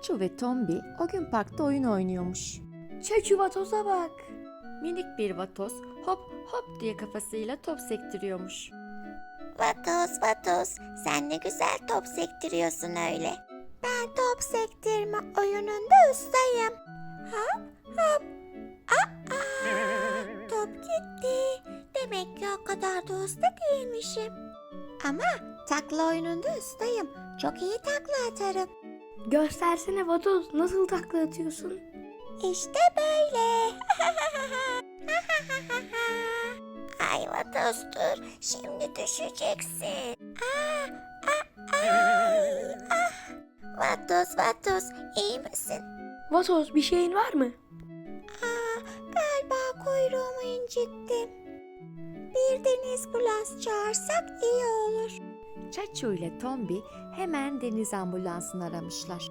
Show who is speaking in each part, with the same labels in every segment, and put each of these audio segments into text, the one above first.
Speaker 1: Çaçu ve Tombi o gün parkta oyun oynuyormuş.
Speaker 2: Çaçu vatoza bak.
Speaker 1: Minik bir vatoz hop hop diye kafasıyla top sektiriyormuş.
Speaker 3: Vatoz vatoz, sen ne güzel top sektiriyorsun öyle. Ben top sektirme oyununda ustayım. Hop hop. Aa, top gitti. Demek ki o kadar da usta değilmişim. Ama takla oyununda ustayım. Çok iyi takla atarım.
Speaker 2: Göstersene vatoz, nasıl takla atıyorsun?
Speaker 3: İşte böyle. Ay vatoz dur, şimdi düşeceksin. Vatoz vatoz, iyi misin?
Speaker 2: Vatoz, bir şeyin var mı?
Speaker 3: Galiba kuyruğumu incittim. Bir deniz ambulans çağırsak iyi olur.
Speaker 1: Çaçu ile Tombi hemen deniz ambulansını aramışlar.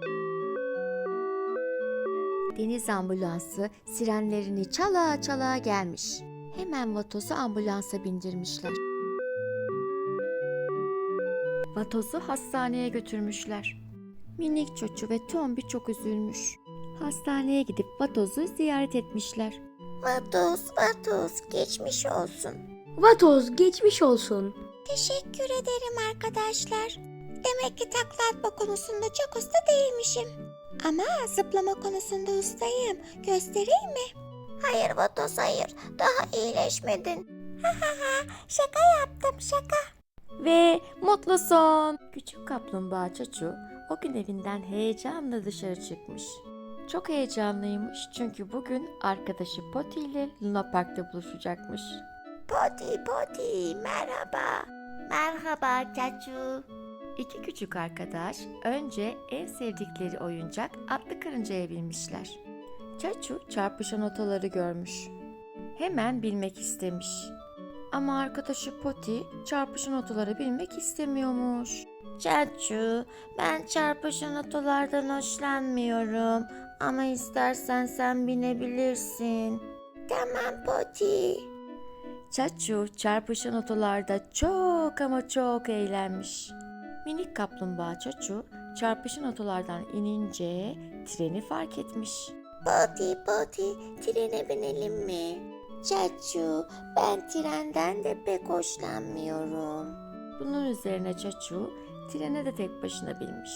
Speaker 1: Deniz ambulansı sirenlerini çala çala gelmiş. Hemen vatozu ambulansa bindirmişler. Vatozu hastaneye götürmüşler. Minik Çaçu ve Tombi çok üzülmüş. Hastaneye gidip vatozu ziyaret etmişler.
Speaker 3: Vatoz vatoz, geçmiş olsun.
Speaker 2: Vatoz, geçmiş olsun.
Speaker 3: Teşekkür ederim arkadaşlar. Demek ki takla atma konusunda çok usta değilmişim. Ama zıplama konusunda ustayım. Göstereyim mi? Hayır Vatoz hayır. Daha iyileşmedin. Şaka yaptım şaka.
Speaker 1: Ve mutlu son. Küçük kaplumbağa Çaçu o gün evinden heyecanla dışarı çıkmış. Çok heyecanlıymış çünkü bugün arkadaşı Poti ile Luna Park'ta buluşacakmış.
Speaker 3: Poti Poti merhaba. Merhaba Çaçu.
Speaker 1: İki küçük arkadaş önce en sevdikleri oyuncak atlı karıncaya binmişler. Çaçu çarpışan otoları görmüş. Hemen bilmek istemiş. Ama arkadaşı Poti çarpışan otoları bilmek istemiyormuş.
Speaker 3: Çaçu, ben çarpışan otolardan hoşlanmıyorum. Ama istersen sen binebilirsin. Tamam Poti.
Speaker 1: Çaçu çarpışan otolarda çok ama çok eğlenmiş. Minik kaplumbağa Çaçu çarpışan otolardan inince treni fark etmiş.
Speaker 3: Poti Poti, trene binelim mi? Çaçu, ben trenden de pek hoşlanmıyorum.
Speaker 1: Bunun üzerine Çaçu trene de tek başına binmiş.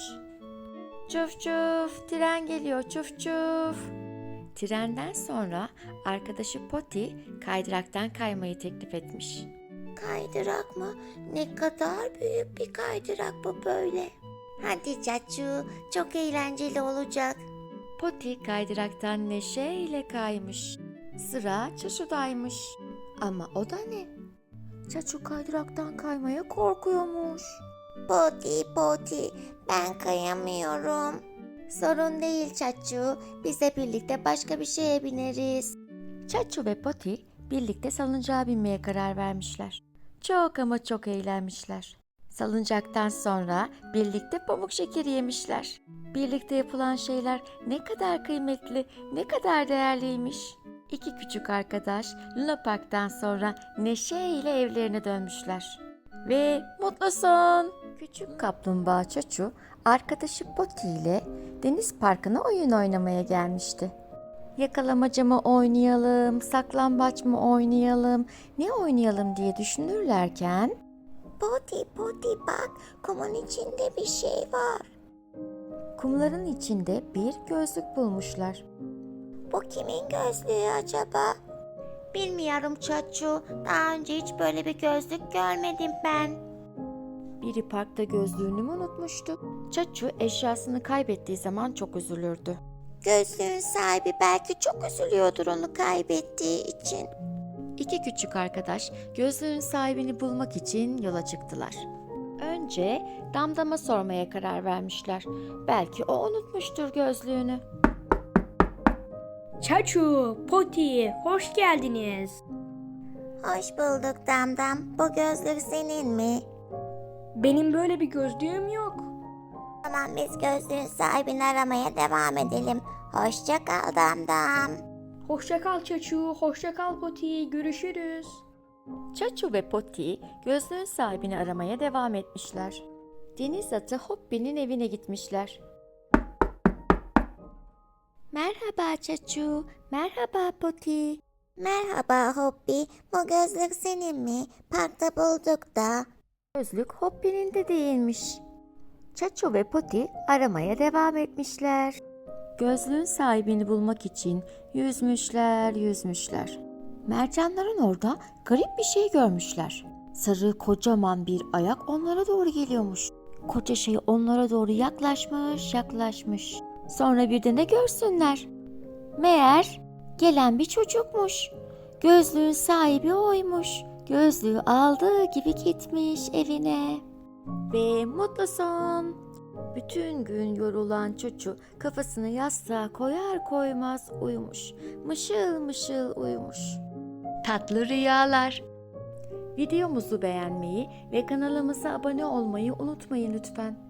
Speaker 1: Çuf çuf, tren geliyor çuf çuf. Trenden sonra arkadaşı Poti kaydıraktan kaymayı teklif etmiş.
Speaker 3: Kaydırak mı? Ne kadar büyük bir kaydırak bu böyle. Hadi Çaçu, çok eğlenceli olacak.
Speaker 1: Poti kaydıraktan neşeyle kaymış. Sıra Çaçu'daymış. Ama o da ne? Çaçu kaydıraktan kaymaya korkuyormuş.
Speaker 3: Poti Poti, ben kayamıyorum. Sorun değil Çaçu, biz de birlikte başka bir şeye bineriz.
Speaker 1: Çaçu ve Poti birlikte salıncağa binmeye karar vermişler. Çok ama çok eğlenmişler. Salıncaktan sonra birlikte pamuk şekeri yemişler. Birlikte yapılan şeyler ne kadar kıymetli, ne kadar değerliymiş. İki küçük arkadaş Luna Park'tan sonra neşeyle evlerine dönmüşler. Ve mutlu son. Küçük kaplumbağa Çaçu arkadaşı Poti ile deniz parkına oyun oynamaya gelmişti. Yakalamaca mı oynayalım, saklambaç mı oynayalım, ne oynayalım diye düşünürlerken
Speaker 3: Poti Poti bak, kumun içinde bir şey var.
Speaker 1: kumların içinde bir gözlük bulmuşlar.
Speaker 3: Bu kimin gözlüğü acaba? Bilmiyorum Çaçu, daha önce hiç böyle bir gözlük görmedim ben.
Speaker 1: Biri parkta gözlüğünü mü unutmuştu? Çaçu eşyasını kaybettiği zaman çok üzülürdü.
Speaker 3: Gözlüğün sahibi belki çok üzülüyordur onu kaybettiği için.
Speaker 1: İki küçük arkadaş gözlüğün sahibini bulmak için yola çıktılar. Önce Damdam'a sormaya karar vermişler. Belki o unutmuştur gözlüğünü.
Speaker 2: Çaçu, Poti, hoş geldiniz.
Speaker 3: Hoş bulduk Damdam. Bu gözlük senin mi?
Speaker 2: Benim böyle bir gözlüğüm yok.
Speaker 3: Tamam biz gözlüğün sahibini aramaya devam edelim. Hoşça kal Damdam.
Speaker 2: Hoşça kal Çaçu, hoşça kal Poti, görüşürüz.
Speaker 1: Çaçu ve Poti gözlüğün sahibini aramaya devam etmişler. Deniz atı Hoppi'nin evine gitmişler. Merhaba Çaçu, merhaba Poti.
Speaker 3: Merhaba Hoppi. Bu gözlük senin mi? Parkta bulduk da.
Speaker 1: Gözlük Hoppy'nin de değilmiş. Çaçu ve Poti aramaya devam etmişler. Gözlüğün sahibini bulmak için yüzmüşler. Mercanların orada garip bir şey görmüşler. Sarı kocaman bir ayak onlara doğru geliyormuş. Koca şey onlara doğru yaklaşmış. Sonra bir de ne görsünler? Meğer gelen bir çocukmuş. Gözlüğün sahibi oymuş. Gözlüğü aldığı gibi gitmiş evine. Ve mutlu son. Bütün gün yorulan Çuçu kafasını yastığa koyar koymaz uyumuş. Mışıl uyumuş. Tatlı rüyalar. Videomuzu beğenmeyi ve kanalımıza abone olmayı unutmayın lütfen.